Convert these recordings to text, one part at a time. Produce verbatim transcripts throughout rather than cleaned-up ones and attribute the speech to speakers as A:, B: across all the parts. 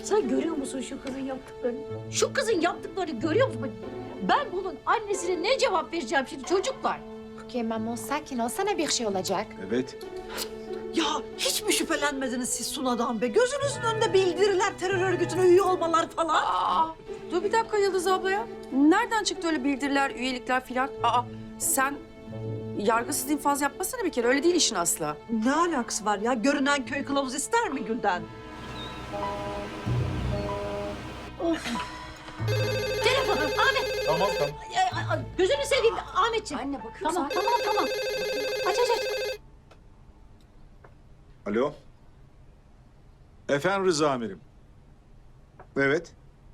A: Sen görüyor musun şu kızın yaptıklarını? Şu kızın yaptıklarını görüyor musun? Ben bunun annesine ne cevap vereceğim şimdi çocuklar?
B: Okey Mamo, sakin ol. Sana bir şey olacak.
C: Evet.
D: Ya hiç mi şüphelenmediniz siz Suna'dan be? Gözünüzün önünde bildiriler, terör örgütüne üye olmalar falan.
E: Aa, dur bir dakika Yıldız abla ya. Nereden çıktı öyle bildiriler, üyelikler filan? Aa, sen yargısız infaz yapmasana bir kere. Öyle değil işin aslı.
D: Ne alakası var ya? Görünen köy kılavuz ister mi Gülden?
A: Telefonum Ahmet.
C: Tamam tamam.
A: Ay, ay, ay, gözünü seveyim Ahmetciğim.
E: Anne bakıyorum
A: Tamam
E: sana.
A: tamam tamam. Aç aç aç.
C: Alo. Efendim Rıza amirim. Evet.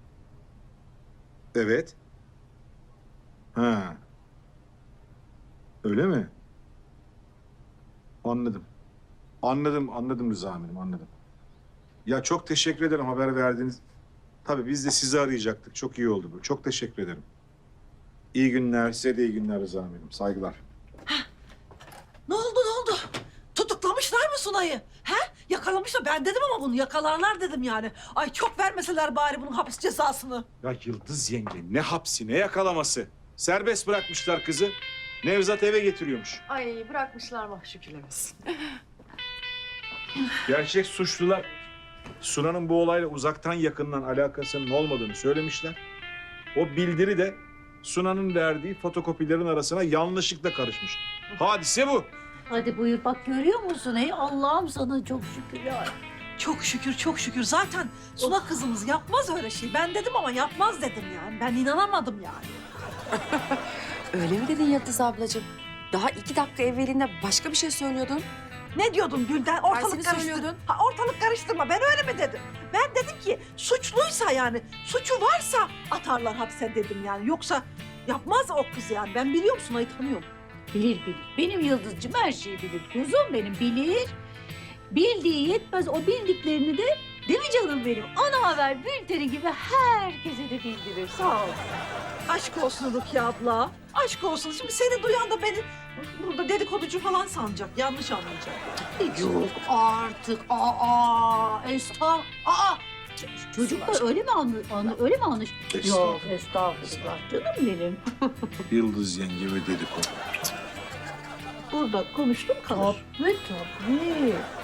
C: Evet. Ha. Öyle mi? Anladım. Anladım, anladım Rıza amirim, anladım. Ya çok teşekkür ederim haber verdiğiniz. Tabii biz de sizi arayacaktık. Çok iyi oldu bu. Çok teşekkür ederim. İyi günler, size de iyi günler Rıza amirim. Saygılar.
D: Ne oldu ne oldu? Tutuklamışlar mı Sunay'ı? He? Yakalamışlar. Ben dedim ama bunu yakalarlar dedim yani. Ay çok vermeseler bari bunun hapis cezasını.
C: Ya Yıldız yenge ne hapsi ne yakalaması. Serbest bırakmışlar kızı. Nevzat eve getiriyormuş.
E: Ay bırakmışlar mı şükürler olsun.
C: Gerçek suçlular Suna'nın bu olayla uzaktan yakından alakasının olmadığını söylemişler. O bildiri de Suna'nın verdiği fotokopilerin arasına yanlışlıkla karışmış. Hadise bu.
A: Hadi buyur bak görüyor musun? Ey Allah'ım sana çok şükür ya.
D: Çok şükür çok şükür. Zaten Suna kızımız yapmaz öyle şey. Ben dedim ama yapmaz dedim yani. Ben inanamadım yani.
E: Öyle mi dedin Yıldız ablacığım? Daha iki dakika evvelinde başka bir şey söylüyordun.
D: Ne diyordun Gülden?
E: Tersini
D: Ortalık karıştır.
E: söylüyordun.
D: Ha, ortalık karıştırma. Ben öyle mi dedim? Ben dedim ki suçluysa yani, suçu varsa atarlar hapse dedim yani. Yoksa yapmaz o kız yani. Ben biliyorum Sunay'ı tanıyorum.
A: Bilir bilir. Benim Yıldızcığım her şeyi bilir. Kuzum benim bilir. Bildiği yetmez. O bildiklerini de değil mi canım benim? Ana haber bülteni gibi herkese de bildirir. Sağ ol.
D: Aşk olsun Rukiye abla. Aşk olsun. Şimdi seni duyan da beni burada dedikoducu falan sanacak. Yanlış anlayacak.
A: Yok artık. Aa, estağ. Aa. Ç- Çocuklar öyle mi anlı, anlı öyle mi anlış? Yok estağfurullah canım benim.
C: Yıldız yenge ve dedikodu.
A: Burada konuştum kalır. Tabii tabii.